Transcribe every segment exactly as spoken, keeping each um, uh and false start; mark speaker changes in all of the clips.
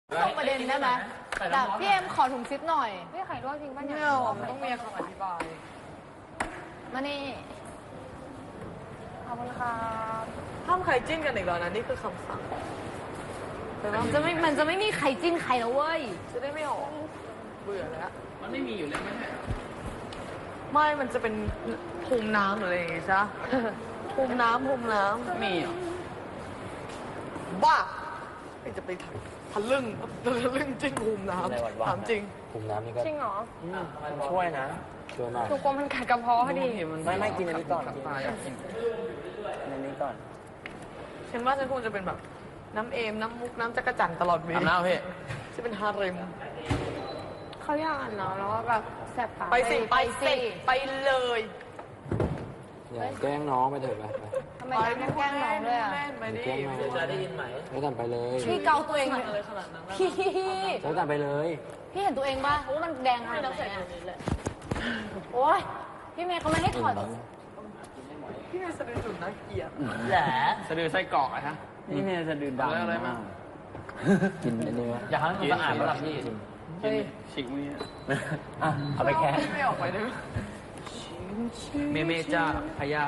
Speaker 1: ตรงประเด็นได้ไหมแต่พี่เอ็มขอถุงซิปหน่อย
Speaker 2: ไม่ไข่ลวกจริงป่ะ
Speaker 1: ไม่
Speaker 2: เนี่ย
Speaker 1: เอามันต้องมีคำอธิบาย มานี่
Speaker 2: ขอบคุณค่ะ
Speaker 3: ห้ามใครจิ้นกันอีกแล้วนะนี่คือคำสั่งแต่ว่า
Speaker 1: มันจะไม่ มันจะไม่มีใครจิ้นใครแล้วเว้ย
Speaker 3: จะได้ไม่ออกเบื่อแล้ว
Speaker 4: มันไม่มีอยู่แล้วไม่ใช่เหรอ
Speaker 3: ไม่มันจะเป็นภูมิน้ำหรืออะไรอย่างงี้ใช่ ภูมิน้ำภูมิน้
Speaker 4: มีเหรอ
Speaker 3: ำบ้าไม่จะไปทะลึ่งทะลึ่งจิ้นภูมิน้ำถามจริง
Speaker 5: ภูมิน้ำนี่ก็
Speaker 2: จริงเหรอ
Speaker 5: มันช่วยนะช่วยมาก
Speaker 2: หนูกลัวมันกัดกระเพาะพอดี
Speaker 5: ไม่ไม่กินอันนี้ก่อนกิน
Speaker 4: ตายอยากกิน
Speaker 5: อันนี้ก่อน
Speaker 3: ฉันว่าฉันคงจะเป็นแบบน้ำเอมน้ำมุกน้ำจักรจันทร์ตลอดเว
Speaker 4: อาบ
Speaker 3: ลา
Speaker 4: น้ำพี่
Speaker 3: จะเป็นฮาเร็ม
Speaker 2: เขาอยากอ่านเนาะแล้วก็แบบแสบตา
Speaker 3: ไปสิไปสิไปเลย
Speaker 5: อย่าแกล้งน้องไปเถอะไปไป
Speaker 1: ทำไมต้องแกล้งน้องด้วยอ่ะ
Speaker 3: แม่นไปดิ
Speaker 5: แกล้งน้อง
Speaker 4: จะได้ยินไหม
Speaker 5: แล้วกันไปเลย
Speaker 1: พี่เกาตัวเอง
Speaker 3: อะไรขนาดนั้นนะ
Speaker 1: พี่
Speaker 5: แล้วกันไปเลย
Speaker 1: พี่เห็นตัวเองป่ะว่ามันแดงขนาดไหนอะโอ๊ย พี่เมย์เขาไม่ให้ถอด
Speaker 3: พี่เป็นสะดือจุดน่าเกลียด
Speaker 5: แหละ
Speaker 4: สะดือไส้กรอกอะฮะ
Speaker 5: นี่เนี่ยจะดื่มดำ
Speaker 4: เอาอะไรมา
Speaker 5: กินอันนี้วะ
Speaker 4: อยากให้มันสะอาดไหมล่ะพี่
Speaker 5: กิน
Speaker 4: กินฉีกมือ
Speaker 5: อ่ะเอาไปแค่
Speaker 3: ไม่ออกไปได้ไหม
Speaker 4: เมเมจ้าพยา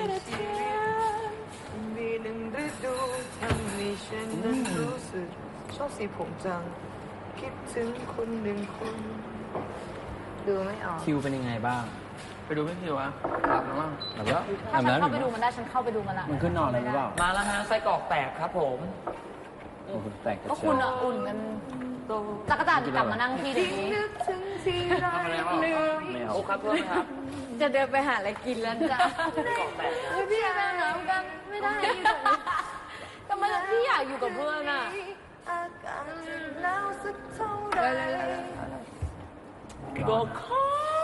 Speaker 3: มีหนึ่งฤดูทำให้ฉันนั้นรู้สึกชอบสีผมจัง คิดถึงคนหนึ่งคน
Speaker 1: ดูไม่ออก
Speaker 5: คิวเป็นยังไงบ้าง
Speaker 4: ไปดูพี่คิวอะอาบน้ำบ้าง
Speaker 5: แล้วก็
Speaker 1: ถ้าฉันเข้าไปดูมันได้ฉันเข้าไปดูมันละ
Speaker 5: มันขึ้นนอนอะไรหรือเปล่า
Speaker 4: มาแล้วฮะไส้กรอกแตกครับผม
Speaker 5: โอ้โหแตกกระ
Speaker 1: ก็
Speaker 5: เจิ
Speaker 1: คุณ
Speaker 5: ง
Speaker 1: อะอุ่นกัน
Speaker 3: โต
Speaker 1: จักรจันทร์กลับมานั่งที่เดี๋ยวนี้
Speaker 3: นึกถึงที่ไร
Speaker 4: ทำอะไรบ้าง
Speaker 5: ไม่เอา
Speaker 4: โอ้ครับเพื่อนครับ
Speaker 1: จะเดินไปหาอะไรกินแล้วจ้ะพี่แม่น้ำกันไม่ได้อยู่ตรงนี้ทำไมพี่อยากอยู่กับเพื่อนอะ
Speaker 3: อากาศจะหนาวสักเท่าไร
Speaker 4: ก็ขอ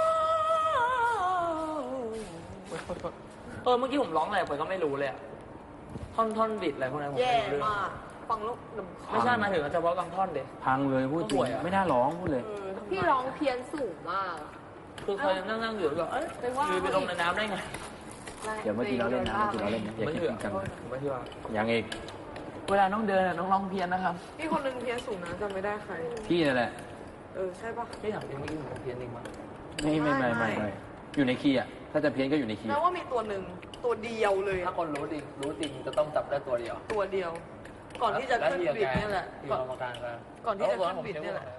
Speaker 4: เออเมื่อกี้ผมร้องอะไรไปก็ไม่รู้เลยอะท่อนท่อนบิดอะไรพวกนั้นผม
Speaker 3: แย่
Speaker 4: ไม่รู้เรื่อง
Speaker 3: มากฟังแล้วลำคาญ
Speaker 4: ไม่ใช่หมายถึงเฉพาะบางท่อนเด็
Speaker 5: พังเลยพูดจริ
Speaker 4: ป่
Speaker 5: ง
Speaker 4: วยอะ
Speaker 5: ไม่น่าร้องพูดเลย
Speaker 3: เออทำไม
Speaker 2: พี่ร้องเพี้ยนสูงมาก
Speaker 4: คือเคยนั่งนั่งอยู่แล้วเอ้ยไปว่าไปลงในน้ำได้ไง
Speaker 5: เดี๋ยวเมื่อกี้เราเล่นนะเมื่อกี้เราเล่นนะอย่า
Speaker 4: ไม่
Speaker 5: คิด
Speaker 4: เชื่อ
Speaker 5: จริงจัง
Speaker 4: ผมไม่เชื่อ
Speaker 5: ยังอีก
Speaker 4: เวลาน้องเดินอะน้องร้องเพี้ยนนะครับ
Speaker 3: พี่คนหนึ่งเพี้ยนสูงนะจำไม่ได้ใคร
Speaker 5: พี่นั่นแหละ
Speaker 3: เออใช่ปะ
Speaker 4: พี่ถามจริงเมื่อกี้ผมเพี้ยนจริงมั้ย
Speaker 5: ไม่ไม่ไม่ไม่ไม่อยู่ในคีย์อ่ะ ถ้าจะเพี้ยนก็อยู่ในคีย์
Speaker 3: แม้ว่ามีตัวหนึ่งตัวเดียวเลย
Speaker 4: ถ้าคนรู้จริงรู้จริงจะต้องจับได้ตัวเดียว
Speaker 3: ตัวเดียว ก่อนที่จะขึ้นบิดเนี่ยแหละ
Speaker 4: ที่
Speaker 3: ก่อน
Speaker 4: กรรมการกัน
Speaker 3: ก่อนที่จะขึ้นบิดเนี่ยแหละ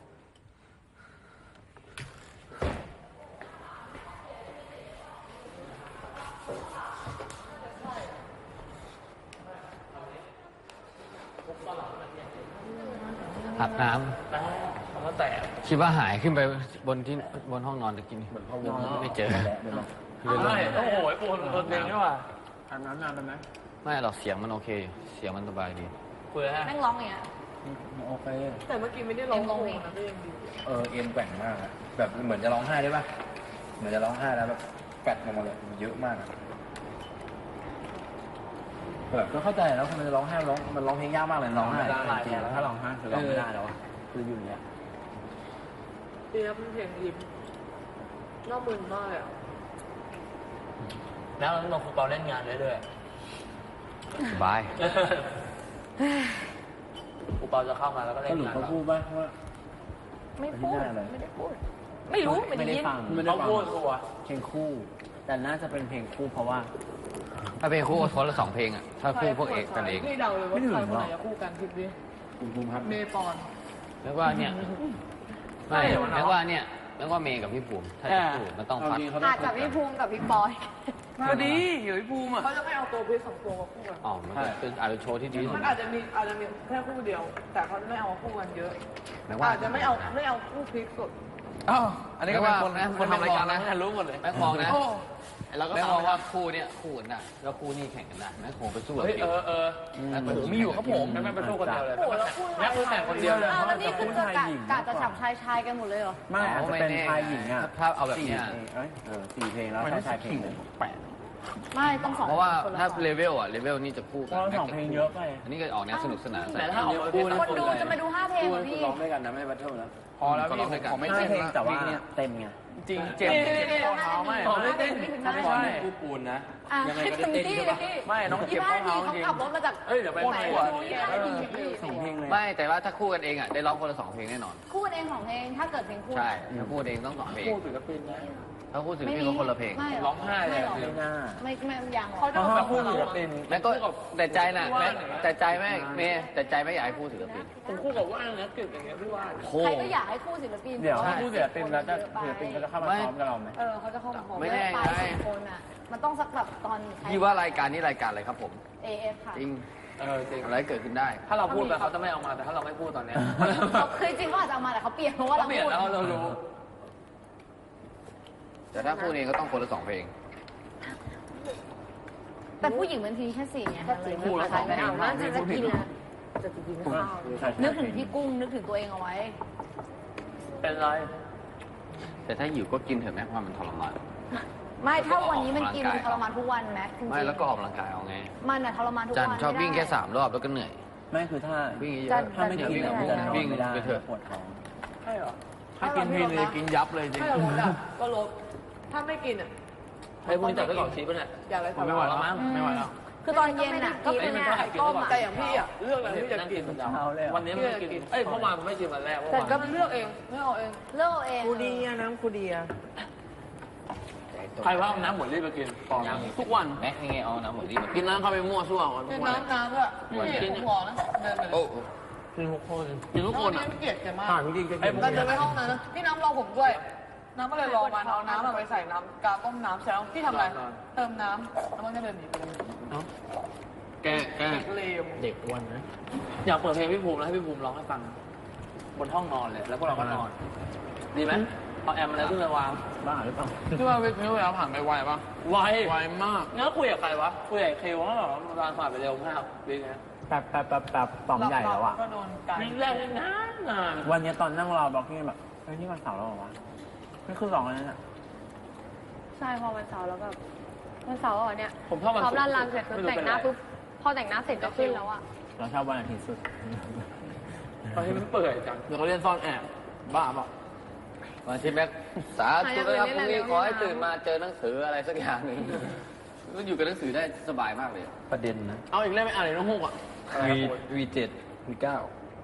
Speaker 5: อาบน้
Speaker 4: แต่มันก็แตก
Speaker 5: ำคิดว่าหายขึ้นไปบนที่บนห้องนอนตะกี้นี่ไม่เจอ
Speaker 4: ไม่โอ้โหปูนตัวเองนี่ว่ะ
Speaker 5: อาบน้ำนานไปไหมไม่หรอกเสียงมันโอเคอยู่เสียงมันสบายดี
Speaker 4: คุยแล้วฮะ
Speaker 1: แม่งร้องอย่างเงี้ย
Speaker 5: โอเค
Speaker 3: แต่เมื่อกี้ไม่ได้ร้อง
Speaker 1: เอ็มร้องเอง
Speaker 3: นะก็ยังดี
Speaker 5: เออเอ็นแกว่งมากอะแบบเหมือนจะร้องไห้ได้ป่ะเหมือนจะร้องไห้แล้วแบบแกว่งลงมาเลยเยอะมากอะแบบก็เข้าใจแล้วมันจะร้องไห้ร้องมันร้องเพลงยากมากเลยร้องไห้จริงๆแล้วถ้าร้องไห้คือร้องไม่ได้แล้วอะคืออยู่อย่างเงี้ย
Speaker 3: เปียบเพลงยิ้มน่ามึนมากเลยอ่ะ
Speaker 4: แล้วน้องฟุตบอลเล่นงานเรื่อย
Speaker 5: สบาย
Speaker 4: ๆฟุตบอลจะเข้ามาแล้วก็เล่
Speaker 5: ส
Speaker 4: น
Speaker 5: รุป
Speaker 4: งาน
Speaker 5: เขาพูดป่ะว่า
Speaker 1: ไม่พูด
Speaker 5: อะไร
Speaker 1: ไม่ได้พูด ไม่รู้ไม่ได้ยิน
Speaker 5: ฟัง
Speaker 4: เขาพูดตัว
Speaker 5: เพลงคู่ แต่น่าจะเป็นเพลงคู่เพราะว่า ถ้าเพลงคู่คนละสองเพลงอ่ะถ้าคู่พวกเอกกันเอง
Speaker 3: พี่เดาเลยว่า
Speaker 5: ไม่ถึง
Speaker 3: ใครคน
Speaker 5: หร
Speaker 3: ไห
Speaker 5: อน ก
Speaker 3: จะคู่กันคิดดิ
Speaker 5: คุณภูมิครับ
Speaker 3: เมย์ปอน
Speaker 5: แล้วว่าเนี่ยไม่แล้วว่าเนี่ยแล้วว่าเมย์กับพี่ภูมิถ้าจะคู่มันต้องฟัด
Speaker 1: อาจจะพี่ภูมิกับพี่ปอย
Speaker 4: พอดีอยู่ที่ภูมิอ่ะ
Speaker 3: เขาจะไม่เอาตัวพี่สองตัวมาคู่กัน
Speaker 5: อ๋อมันก็เป็นอาจจะโชว์ที่ดีที่สุ
Speaker 3: มั
Speaker 5: ด
Speaker 3: นอาจจะมีอาจจะมีแค่คู่เดียว แต่เขาไม่เอาคู่กันเยอะ
Speaker 5: แม้ว่า
Speaker 3: อาจจะไม่เอาไม่เอาคู่พลิกสด
Speaker 4: อ้าวอันนี้ก็เป็นคน
Speaker 5: แม้ว่า
Speaker 4: คนทำรายการ
Speaker 5: แม้
Speaker 4: นะ
Speaker 5: ว่า
Speaker 4: รู้หมดเลย
Speaker 5: แม่งมองนะ
Speaker 3: โอ้
Speaker 5: แล้วก็แม่งมองว่าคู่เนี้ยคู่กันได้แล้วคู่นี้แข่งกันได้แม่งคงไปสู้กับ
Speaker 4: เฮ้ย
Speaker 5: เดี
Speaker 4: เอ
Speaker 5: ยว
Speaker 4: อเออผมมีอยู่ครับผมแม่ไปสู้คนเดียวเลย
Speaker 3: โหแล้วคู่
Speaker 4: แม่คือแต่คนเดียวเลย
Speaker 1: อ้าวแล้วนี่คือจะกะกะจะฉับชายชายกันหมดเลยเหรอ
Speaker 5: ไม่อาจจะเป็นชายหญิงอ่ะถ้าเอาแบบเนี้ยเออสี่เพลงแล้ว
Speaker 4: มัน
Speaker 5: ชายเพลง
Speaker 4: แปด
Speaker 1: ไม่ต้องสอง
Speaker 5: เพราะว่า
Speaker 1: คนละ
Speaker 5: ถ้า
Speaker 1: สอง
Speaker 5: เลเวลอ่ะเลเวลนี่จะคู่กัน
Speaker 6: สองเพลงเยอะไป
Speaker 5: อันนี้ก็ออกแนวสนุกสนาน
Speaker 4: แต่ถ้าออกมาคู่
Speaker 1: คนดูจะมาดูห้าเพลงงเหรอพี่
Speaker 5: ร้องด้วยกันนะไม่ได้บัตเทิลนะ
Speaker 3: พอแล้วพี่ผมไม่
Speaker 5: ห้า
Speaker 3: เต้น
Speaker 5: เพลง
Speaker 3: ละ
Speaker 5: แต่ว่าเต็มไง
Speaker 3: จริงเจ็บข้อเท้าไม่
Speaker 4: ขอไม่เต้น
Speaker 5: ถ้าไม่ใช่คู่ปูนนะ
Speaker 1: อ่ะ
Speaker 5: ยังไง
Speaker 1: ให้
Speaker 5: ก็
Speaker 1: เต็
Speaker 5: ได้
Speaker 1: ม
Speaker 5: เต้น
Speaker 1: ที่
Speaker 5: ใช่
Speaker 1: เล
Speaker 5: ปะ
Speaker 1: ยพี่
Speaker 3: ไม่น้องเจ็
Speaker 1: ยี่
Speaker 3: บ
Speaker 1: ห้า
Speaker 3: ข้อ
Speaker 1: นาที
Speaker 3: เท้าจริง
Speaker 1: เขาขับรถมาจาก
Speaker 4: เอ้ยเดี๋ยวไป
Speaker 1: ไหน
Speaker 4: ปวด
Speaker 1: ดูยี่ห้านาทีพี่
Speaker 5: สองเพลงเลย
Speaker 6: ไม่แต่ว่าถ้าคู่กันเองอ่ะได้ร้องคนละสองเพลงแน่นอน
Speaker 1: คู่เองของเองถ้าเกิดเพลงคู่
Speaker 6: ใช่ถ้าคู่เองต้องสองเพลง
Speaker 4: คู่ศิลปินนะ
Speaker 6: ถ้าคู่ศิลปินก็คนละเพลง
Speaker 1: ไม่
Speaker 4: ร้องไห้เลย
Speaker 1: ไม่หรอก
Speaker 5: ไม่น่า
Speaker 1: ไม่ไม่ยังหรอก
Speaker 2: เขาจะ
Speaker 5: เพราะ
Speaker 2: มา
Speaker 5: ว่าคู่ศิลปิน
Speaker 6: แม่ก็แต่ใจน่ะแม่แต่ใจแม่เมย์แต่ใจไม่อยากให้คู่ศิลปิน
Speaker 4: ผมคู่กับว่างนะกึ่งอย่างเงี้ยพี่ว่าน
Speaker 6: โค
Speaker 1: ใครก็อยากให้คู่ศิลปิน
Speaker 5: เดี๋ยว
Speaker 1: แต่า
Speaker 5: คู่ศิลปินแล้วจะศิลปินก็จะเข้ามาซ้อมกับเราไหม
Speaker 1: เออเขาจะเข้ามา
Speaker 6: ไม่แน่
Speaker 1: ไป
Speaker 6: ไง
Speaker 1: สองคนอ่ะมันต้องสักแบบตอน
Speaker 6: พี่ว่ารายการนี้รายการอะไรครับผม
Speaker 1: เอเอฟค่ะ
Speaker 6: จริง
Speaker 4: เออจริง
Speaker 6: อะไรเกิดขึ้นได้
Speaker 4: ถ้าเราพูดไปเขาจะไม่เอามาแต่ถ้าเราไม่พูดตอนเนี้ย
Speaker 1: เขาคือจริงเขาอาจจะเอามาแต่เขาเปลี่ยนเพราะว่า
Speaker 4: เขา
Speaker 1: เรา
Speaker 4: เปลี่ยน
Speaker 1: พูด
Speaker 4: แล้วเรารู้
Speaker 6: แต่ถ้าคู่เองก็ต้องคนละสองเพลง
Speaker 1: แต่ผู้หญิงบางทีแค่สี่ไงมันเลย
Speaker 4: คู่ละสองเพลง
Speaker 2: น่าจะจะกินนะจะกินข้าว
Speaker 1: นึกถึงพี่กุ้งนึกถึงตัวเองเอาไว้
Speaker 4: เป็นไร
Speaker 6: แต่ถ้าหิวก็กินเถอะแม่เพราะมันทรมาน
Speaker 1: ไม่ถ้าวันนี้มันกิน
Speaker 6: ออกกำลังกาย
Speaker 1: ทรมานทุกวันแม็กซ์จริงๆ
Speaker 6: ไม่แล้วก็ออกกำลังกายเอาไง
Speaker 1: มันอะทรมานทุก
Speaker 6: จั
Speaker 1: วัน น
Speaker 6: ชอบวิ่งแค่
Speaker 1: ไม่ได้
Speaker 6: สามรอบแล้วก็เหนื่อย
Speaker 5: ไม่คือถ้า
Speaker 6: วิ่งเย
Speaker 1: จั
Speaker 6: อะ
Speaker 1: น
Speaker 5: ถ้าไม่กิน
Speaker 6: วิ่ง
Speaker 5: อะมันจะนอน
Speaker 6: วิ่ง
Speaker 5: ไม่ได้
Speaker 6: ไปเถอะ
Speaker 5: ปวดท้อง
Speaker 4: ใช่เหรอ
Speaker 3: ถ้ากินพีเลยกินยับเลยจริง
Speaker 2: ถ้าเราลดอ่ะก็ลดถ้าไม่กินอ่ะ
Speaker 4: ไอ้พวกนี้จับไปก่อนชีพป่ะเนี่ย
Speaker 2: อย่าเลย
Speaker 3: ผมไม่ไหวแล้วมั้งไม่ไหวแล้ว
Speaker 1: คือตอนเย็นอะก็เป็น
Speaker 4: ไม่
Speaker 1: ไง
Speaker 4: ได้กิน
Speaker 2: ต้
Speaker 4: ก่
Speaker 2: ม
Speaker 4: อน
Speaker 2: แต่อย่างพี่อ่ะ
Speaker 3: เรื่องอะไรที่จะกิน
Speaker 5: เช้าเลยเหรอ
Speaker 4: วันนี้ไม่กินเอ้ยเมื่อวานผมไม่กินวันแรกเมื่อ
Speaker 2: แต่
Speaker 4: วาน
Speaker 2: ก็เลือกเองไม่เอาเอง
Speaker 1: เลิกเอง
Speaker 3: คูดีอะน้ำคูดีอะ
Speaker 4: ใครว่าเอาน้ำหมดรีบไปกินปอมทุกวัน
Speaker 6: แม็กยังไงเอาน้ำหมดที่มา
Speaker 4: กินน้ำเข้าไปมั่วซั่ววันทุ
Speaker 2: กิน
Speaker 4: กวัน
Speaker 2: น้ำน้ำด้วยนี่ผมบอกนะเดินไปเลย
Speaker 6: โอ้
Speaker 4: กินทุกคนกินทุกคนอ่ะ
Speaker 2: เกลียดแกมาก
Speaker 3: ผ่านจริงๆก็
Speaker 4: ไอ้
Speaker 3: กิน
Speaker 4: พวก
Speaker 2: เรา
Speaker 4: นี้
Speaker 2: เดินไปห้องนั้นนะพี่น้ำรอผมด้วย น้ำก็เลยรอมันเอาน้ำมาไปใส่น้ำกาต้มน้ำเสร็จแล้วพี่ทำอะไร เติมน้ำแล้วมันก็เดินหนีไปเลย
Speaker 4: แกแก
Speaker 2: เด็กเลว
Speaker 5: เด็กอ้วนนะ
Speaker 4: อยากเปิดเพลงพี่ภูมิแล้วให้พี่ภูมิร้องให้ฟัง บนห้องนอนเลย แล้วพวกเราก็นอน ดีไหมเอาแอมอะไรขึ้นมาวาง
Speaker 5: บ้าหรือเปล่า
Speaker 3: พี่ว่าพี่เวลาผ่านไปไวปะ
Speaker 4: ไว
Speaker 3: ไวมาก
Speaker 4: งั้นคุยกับใครวะ คุยกับคิวว่าแบบเวลาผ่านไปเร็วมากดีไง
Speaker 5: แป๊บแป๊บแป๊บแป๊บต่อมใหญ่แล้วอ่ะ
Speaker 2: ก็โดนไก่
Speaker 4: วิ่งแรกนี่นานนาน
Speaker 5: วันนี้ตอนนั่งรอบล็อกกิ้งแบบเฮ้ยนี่วันเสาร์แล้วเหรอวะไม่คือสองแล้วน่ะ
Speaker 2: ใช่พอวันเสาร์แล้วแบบวันเสาร์อ่ะเนี่ย
Speaker 4: ผมชอบมัน
Speaker 2: พร้อมรันรันเสร็จคือแต่งหน้าปุ๊บพอแต่งหน้าเสร็จก็ขึ้นแล้วอ่ะ
Speaker 5: เราชอบวันอาทิตย์สุด
Speaker 4: ตอนที่มันเปื่อยจัง
Speaker 3: เดี๋ยวเขาเรียนซ่อนแอบ บ้าเปล่า
Speaker 6: วันที่แม็กสาธุนะครับพรุ่งนี้ขอให้ตื่นมาเจอหนังสืออะไรสักอย่างหนึ่งก็อยู่กับหนังสือได้สบายมากเลย
Speaker 5: ประเด็นนะ
Speaker 3: เอาอีกเล่มไม่อ่านเลยน้องฮุกอ่ะ
Speaker 5: วีวีเจ็ดวีเก้า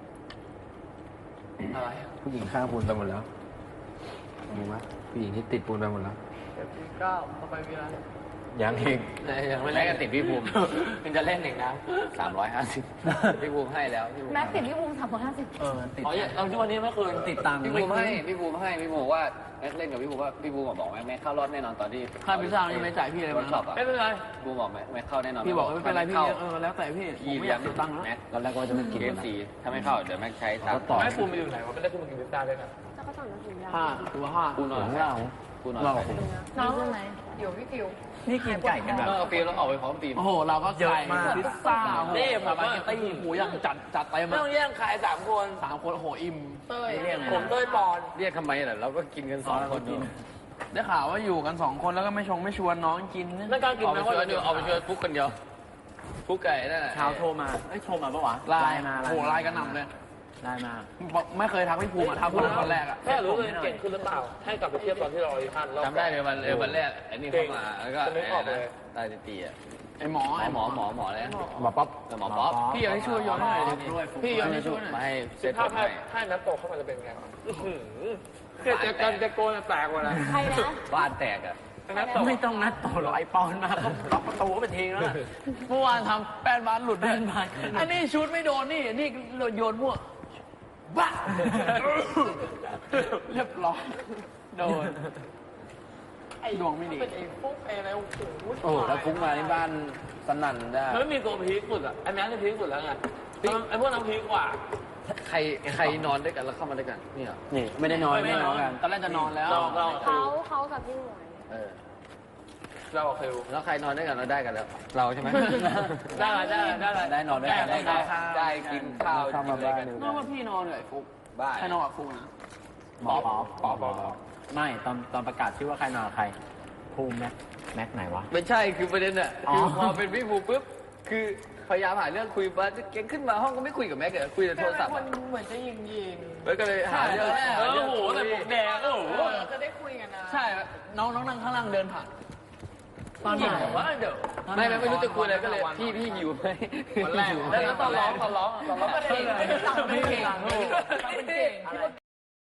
Speaker 4: อะไร
Speaker 5: ผู้หญิงข้างปูนไปหมดแล้วดูไหมผู้หญิงที่ติดปูนไปหมดแล้ว
Speaker 2: เจ็ดปีเก้าต่อไปมีอะไร
Speaker 5: ยังเอง
Speaker 4: ยังไม่
Speaker 6: แม็
Speaker 4: เล่
Speaker 6: ก
Speaker 4: น
Speaker 6: ก็ติดพี่ภูมิ
Speaker 4: มันจะเล่นอีกนะ
Speaker 6: สามร้อยห้าสิบพี่ภูมิให้แล้วพี่ภูมิ
Speaker 1: แม็กซ์ติดพี่ภูมิสามร้อยห้าสิบ
Speaker 5: เออมันติด
Speaker 4: อ๋อเอาที่วันนี้ไม่เคย
Speaker 5: ติดตังค์
Speaker 6: พี่ภูมิให้พี่ภูมิให้พี่ภูมิบอกว่าแม็กเล่นกับพี่ภูมิว่าพี่ภูมิบอกแม็กแม็กเข้ารอบแน่นอนตอนที่
Speaker 3: ค่าพิซซ่ายังไม่จ่ายพี่เลย
Speaker 6: วั
Speaker 3: มัน น
Speaker 6: ช็อปอ่ะ
Speaker 4: ไม่เป็นไร
Speaker 6: พี่ภูมิบอกแม็กแม็กเข้าแน่นอน
Speaker 3: พี่บอกว่าไม่เป็นไรพี่
Speaker 6: เข้า
Speaker 3: เออแล้วแต่พี่ผม
Speaker 6: พี่
Speaker 3: ไม่อ
Speaker 6: เลี้ย
Speaker 3: ยาง กเสียตังค์แล้ว
Speaker 6: แม็ก
Speaker 5: ตอนแรกว่าจะไม่กิน
Speaker 6: เคฟซีถ้าไม่เข้าเดี๋ยวแม็กใช้ตังค์
Speaker 5: ต่อ
Speaker 4: ไม่ภูมิไปอยู่ไหนวะไม่ได้ขึ้นมากินพิซซ่าด้วยกัน
Speaker 2: แล้วก็สั่งน้ำจิ้มยา
Speaker 3: ห้าตัวห้า
Speaker 6: กูนอน
Speaker 5: ของเรา
Speaker 6: กูนอน
Speaker 5: เรา
Speaker 6: ไป
Speaker 1: น้องใช่ไหม
Speaker 2: เดี๋ยวพี่ฟิว
Speaker 5: นี่กินไก่กันแบบ
Speaker 6: เออฟิลแล้วออกไปพร้อมฟิล์ม
Speaker 3: โอ้โหเราก็
Speaker 5: เยอะ
Speaker 3: ไก่
Speaker 5: มาก
Speaker 3: พิซซ่า
Speaker 4: นี่ผมว่า
Speaker 3: สปาเกตตี้หมูยังจัดจัดเต็ม
Speaker 4: ไม่
Speaker 3: อะ
Speaker 4: ต้องแย่งขายสามคน
Speaker 3: สามคนโอ้โหอิ่ม
Speaker 2: เต้ย
Speaker 4: ผมเต้ยปอน
Speaker 6: เรียกทำไมล่ะเราก็กินกันสองคนอยู่
Speaker 3: ได้ข่าวว่าอยู่กันสองคนแล้วก็ไม่ชงไม่ชวนน้องกินนะ
Speaker 4: นั่นการกิน
Speaker 6: เอาไป
Speaker 4: นะ
Speaker 6: ชวนเดียวเอาไปชวนฟุกคนเดียวฟุกไก่นั่นแหละ
Speaker 5: เช้าโทรมาเอ้ยโทรมาปะวะ
Speaker 3: ไลน์
Speaker 5: มา
Speaker 3: โอ้โหไลน์กันหนำเลย
Speaker 5: ไลน์มา
Speaker 3: บอกไม่เคยทักพี่ภูมิอะทักคนคนแรกอะ
Speaker 4: แค่รู้ตัวเองเก่งขึ้นหรือเปล่า ให้กลับไปเทียบตอนที่เราอีกพันรอบ
Speaker 6: จำได้เลยวันเออวันแรกไอ้นี่เข้ามาแล้วก็
Speaker 4: จะนึกออกเลย
Speaker 6: ตายตีอ่ะ
Speaker 3: ไอหมอ
Speaker 6: หมอ
Speaker 3: ไอ
Speaker 6: ห
Speaker 3: ห
Speaker 6: ม
Speaker 3: ม
Speaker 6: อ
Speaker 3: อ
Speaker 6: หมอหมอเลย
Speaker 5: หมอป๊อป
Speaker 6: หมอป๊อป
Speaker 3: พี่อยากให้ช่วยย้อนหน่อยดิพี่ย้อนให้ช่วยหน่
Speaker 6: มา
Speaker 3: อย
Speaker 6: ให้เซ็ตผ
Speaker 4: ถ้าม ให้
Speaker 6: ให้
Speaker 4: ให้นัดโตเข้ามาจะเป็นไงแค่จะกันจะโกนแตกกว่านะ
Speaker 1: ใครนะ
Speaker 6: บ้านแตกอ่ะ
Speaker 4: นัดโต
Speaker 5: ไม่ต้องนัดต่อหรอกไอปอนมาก็ล็อกประตูก็ไปทิ้งแล้วน่ะ
Speaker 3: เมื่อวานทำแป้นบาสหลุด
Speaker 5: แป้นบาส
Speaker 3: อันนี้ชุดไม่โดนนี่นี่โยนมั่วบ้าเรียบร้อยโดนดวงไม่ดี
Speaker 2: เป็นไอ้พวกไอ้อะไรโอ้โห
Speaker 5: โอ้โหถ้าฟุ้งมาที่บ้านสนั่นได้
Speaker 4: มันไม่มีตัวพีคสุดอ่ะไอ้แม็กซ์จะพีคสุดแล้วไงไอ้พวกนั้นพีคกว่า
Speaker 6: ใครใครนอนด้วยกันแล้วเข้ามาด้วยกันนี่เหรอ
Speaker 5: นี่ไม่ได้นอน
Speaker 4: ไม่
Speaker 5: ไม่
Speaker 4: ได้
Speaker 5: ได้
Speaker 4: น
Speaker 5: น
Speaker 4: อ
Speaker 5: อน นกัน
Speaker 3: ตอนแรกจะนอนแล้ว
Speaker 4: เราเรา
Speaker 2: เขาเขากับพี่หมวย
Speaker 6: เออ
Speaker 4: เราคิว
Speaker 6: แล้วใครนอนด้วยกันเราได้กันแล้ว เราใช่ไหม
Speaker 4: ได้ละได้ละได้ละ
Speaker 5: ได้นอนด้วยกัน
Speaker 6: ได้
Speaker 5: ได้
Speaker 6: ข้าวได้กินข้าว
Speaker 5: เข้า
Speaker 6: กิ
Speaker 5: มาน
Speaker 6: อะไร
Speaker 5: บ้าน
Speaker 6: กัน
Speaker 5: เดียว
Speaker 3: นอกว่าพี่นอนเลยไอ้ฟุก
Speaker 6: บ้า
Speaker 3: ใครนอนกับฟุกนะ
Speaker 5: หมอป๊อปป๊อปป๊อปไม่ตอนตอนประกาศชื่อว่าใครนอนกับใครภูมิแม็กแม็กไหนวะ
Speaker 6: ไม่ใช่คือประเด็นอ่ะ
Speaker 5: อ๋อ
Speaker 6: คือพอเป็นพี่ภูปุ๊บคือพยายามหาเรื่องคุยมาเก่งขึ้นมาห้องก็ไม่คุยกับแม็กเลยคุยแต่โทรศัพท์
Speaker 2: ค
Speaker 6: อะ
Speaker 2: นเหมือนจะยิงยิง
Speaker 6: แล้วก็เลยหาเรื่อง
Speaker 4: เออโอ้โหแต่ผมแดงโอ้โห
Speaker 2: จะได้คุยกันนะ
Speaker 4: ใช่น้องน้องนั่งข้างล่างเดินผ่านตอนไหนวะเดี๋ยว
Speaker 6: ไม่ไม่ไม่รู้จะคุยอะไรก็เลยพี่พี่หิวไหม
Speaker 4: วันแรกแล้วตอนร้องตอนร้องตอนร้อง
Speaker 2: ประเด็นไม่ได้สั่งไม่เก่ง
Speaker 4: เป็นเก่ง
Speaker 2: พี่ว่า